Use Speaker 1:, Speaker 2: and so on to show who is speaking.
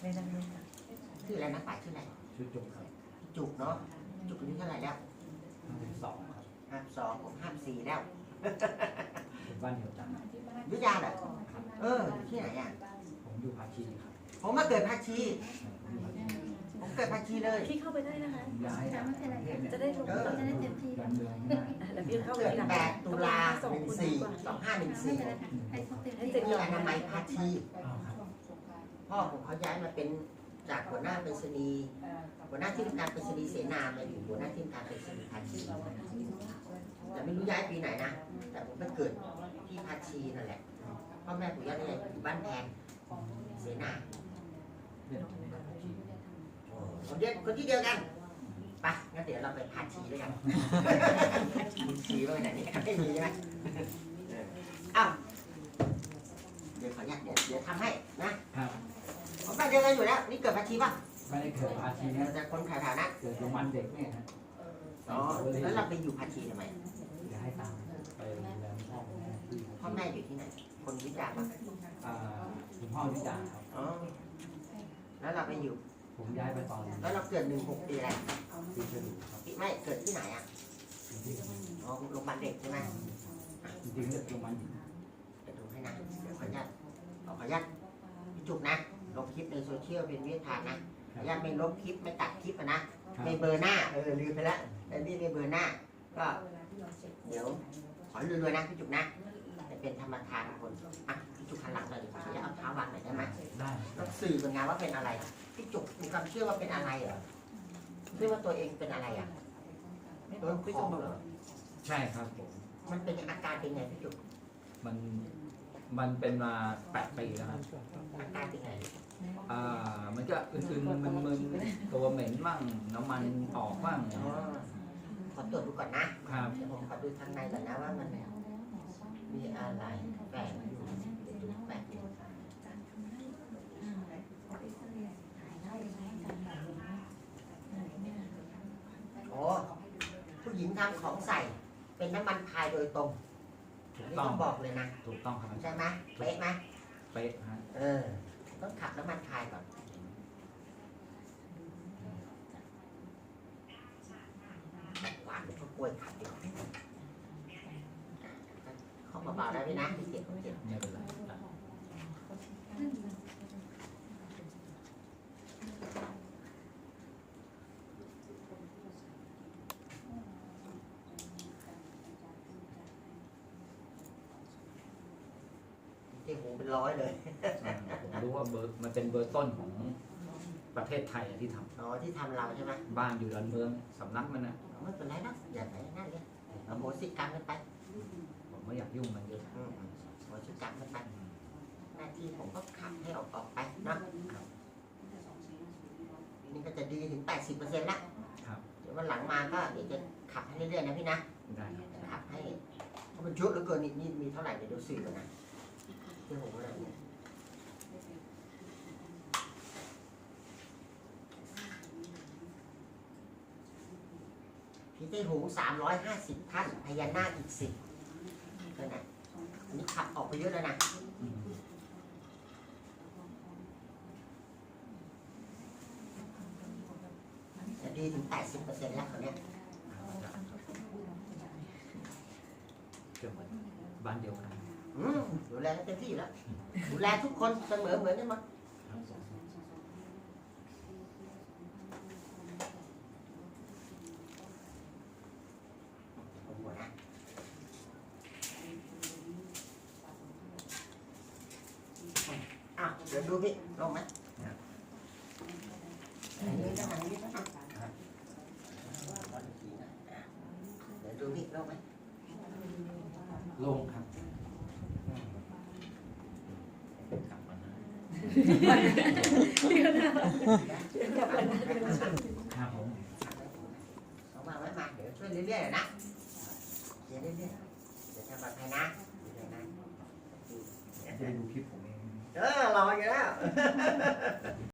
Speaker 1: ชื่ออะไรนะป่าชื่ออะไร
Speaker 2: ชื่อจุกครับ
Speaker 1: จุกเนาะจุกอายุเท่าไหร่แล้ว
Speaker 2: 52ครับ
Speaker 1: 52ผม54แล้ว
Speaker 2: เป็นบ้านเดียวกัน
Speaker 1: อยุธยาเหรออยู่ที่ไหนอ่ะ
Speaker 2: ผมอยู่ภาชีครับ
Speaker 1: ผมมาเกิดภาชี
Speaker 2: อยู่ภาชี
Speaker 1: ผมเกิดภาชีเลย
Speaker 3: พี่เข้าไปได้นะคะ
Speaker 2: ผมย้าย
Speaker 3: จะได้ลงจะได้เต็มที่
Speaker 2: ย้ายเมืองง่าย
Speaker 3: แล้วพี่เข้าไป
Speaker 1: เกิด
Speaker 3: ทีหลัง
Speaker 1: 8 ตุลา14 2514
Speaker 3: ให้เสร็จ
Speaker 1: ที่
Speaker 3: ก่อน
Speaker 1: อนามัยภาชี
Speaker 2: อ้าวครับ
Speaker 1: พ่อผมเขาย้ายมาเป็นจากหัวหน้าไปรษณีย์หัวหน้าที่ทำการไปรษณีย์เสนามาอยู่หัวหน้าที่ทำการไปรษณีย์ภาชีแต่ไม่รู้ย้ายปีไหนนะแต่ผมไปเกิดที่ภาชีนั่นแหละพ่อแม่ปู่ย่าตายายอยู่บ้านแพงเสนา
Speaker 2: เรียนผมภาชี
Speaker 1: คนที่เดียวกันไปงั้นเดี๋ยวเราไปภาชีด้วยกันมีชีบ้างไหนนี่ไม่มีใช่ไหมอ้าวเดี๋ยวขออนุญาตเดี๋ยวทำให้นะครับ ผมบ้านเดียวกันอยู่แล้วนี่เกิดภาชีป่ะ
Speaker 2: ไม่ได้เกิดภาชีนะ
Speaker 1: แต่คนแถวๆนั้น
Speaker 2: เกิดโรงพยาบาลเด็กเนี่ยฮะ
Speaker 1: อ๋อแล้วเราไปอยู่ภาชีทำไม
Speaker 2: จะให้ตามไปดูแลพ่อแม่ที่
Speaker 1: พ่อแม่อยู่ที่ไหนคนวิจารณ์ป่ะ
Speaker 2: คุณพ่อวิจารณ์ครับ
Speaker 1: อ๋อแล้วเราไปอยู่
Speaker 2: ผมย้ายไปตอน
Speaker 1: แล้วเราเกิด16 ปีอะไร
Speaker 2: ปีฉลูครับ
Speaker 1: ไม่เกิดที่ไหนอ่ะ
Speaker 2: อยู่ที่
Speaker 1: อ๋อโรงพยาบาลเด็กใช่ไหม
Speaker 2: จริงๆเกิดโรงพยาบาลหญิง
Speaker 1: เดี๋ยวดูให้นะเดี๋ยวขออนุญาตพี่จุกนะลงคลิปในโซเชียลเป็นวิทยานะขออนุญาตไม่ลบคลิปไม่ตัดคลิปนะไม่เบอร์หน้าลืมไปแล้วแต่นี่ไม่เบอร์หน้าก็เดี๋ยวขอรวยๆนะพี่จุกนะจะเป็นธรรมทานคนอ่ะพี่จุกหันหลังหน่อยดิขออนุญาตเอาเท้าวางหน่อยได้ไหม
Speaker 2: ได้
Speaker 1: ต้องสื่อเป็นไงว่าเป็นอะไรพี่จุกมีความเชื่อว่าเป็นอะไรเหรอเชื่อว่าตัวเองเป็นอะไรอ่ะโดนของเหรอ
Speaker 2: ใช่ครับผม
Speaker 1: มันเป็นอาการเป็นไงพี่จุก
Speaker 2: มันเป็นมา8 ปีแล้วครับ
Speaker 1: อาการเป็นไง
Speaker 2: มันก็อื่นๆมึนๆตัวเหม็นบ้างน้ำมันออกบ้าง
Speaker 1: อ๋อขอตรวจดูก่อนนะครับ เดี๋ยวผมขอดูทางในก่อนนะว่ามันมีอะไรแฝงอยู่เดี๋ยวดูแฝงอยู่โอ้ผู้หญิงทำของใส่เป็นน้ำมันพายโดยตรง
Speaker 2: ถูก
Speaker 1: นี่
Speaker 2: ต้อ
Speaker 1: ต้อง งบอกเลยนะ
Speaker 2: ถูกต้องครับ
Speaker 1: ใช่ไหมเป๊ะไหม
Speaker 2: เป๊ะฮะ
Speaker 1: ต้องขับน้ำมันพายก่อนหวานเป็นข้าวกล้วยขับดีกว่าเข้ามาเบาได้ไหมนะพี่เจ็บผมเจ็บ
Speaker 2: ไม่เป็นไร
Speaker 1: เจ็บหูเป็นร้อยเลย
Speaker 2: ผมรู้ว่าเบอร์มันเป็นเบอร์ต้นของประเทศไทยที่ท
Speaker 1: อ๋อที่ทำเราใช่ไหม
Speaker 2: ำบ้านอยู่ดอนเมืองสำนักมันนะ
Speaker 1: ไม่เป็นไรนะอย่าไปนั่นเลยเอาโหสิกรรมกันไป
Speaker 2: ผมไม่อยากยุ่งมันเยอะ
Speaker 1: โหสิกรรมกันไปหน้าที่ผมก็ขับให้ออกไปนะนี่ก็จะดีถึง 80%ละ
Speaker 2: ครับ
Speaker 1: เดี๋ยววันหลังมาก็เดี๋ยวจะขับให้เรื่อยๆนะพี่นะ
Speaker 2: ได้ครับ
Speaker 1: จะขับให้เพราะมันเยอะเหลือเกินนี่มีเท่าไหร่เดี๋ยวดูสื่อก่อนนะเรื่องของอะไรเนี่ยพี่เต้หง350 ท่านพญานาคอีก10นั่นนะอันนี้ขับออกไปเยอะแล้วนะ
Speaker 2: อืม
Speaker 1: จะดีถึง 80%แล้วเขาเนี่ย
Speaker 2: เกือบเหมือนบ้านเดียวกัน
Speaker 1: ดูแลกันเต็มที่อยู่แล้วดูแลทุกคนเสมอเหมือนกันหมด
Speaker 2: ครับ
Speaker 1: โอ้โหนะอ้าวเดี๋ยวดูพี่ลงไหมอันนี้ก็อันนี้ก็อ่ะเดี๋ยวดูพี่ลงไหม
Speaker 2: โล่งครับกลับมานะ ครับผม
Speaker 1: เอามาไว้มาเดี๋ยวช่วยเรื่อยๆนะเดี๋ยวเรื่อยๆเดี๋ยวทำปลอดภัยนะเดี๋ยวนะ
Speaker 2: จะได้ดูคลิปผมเอง
Speaker 1: รออยู่แล้ว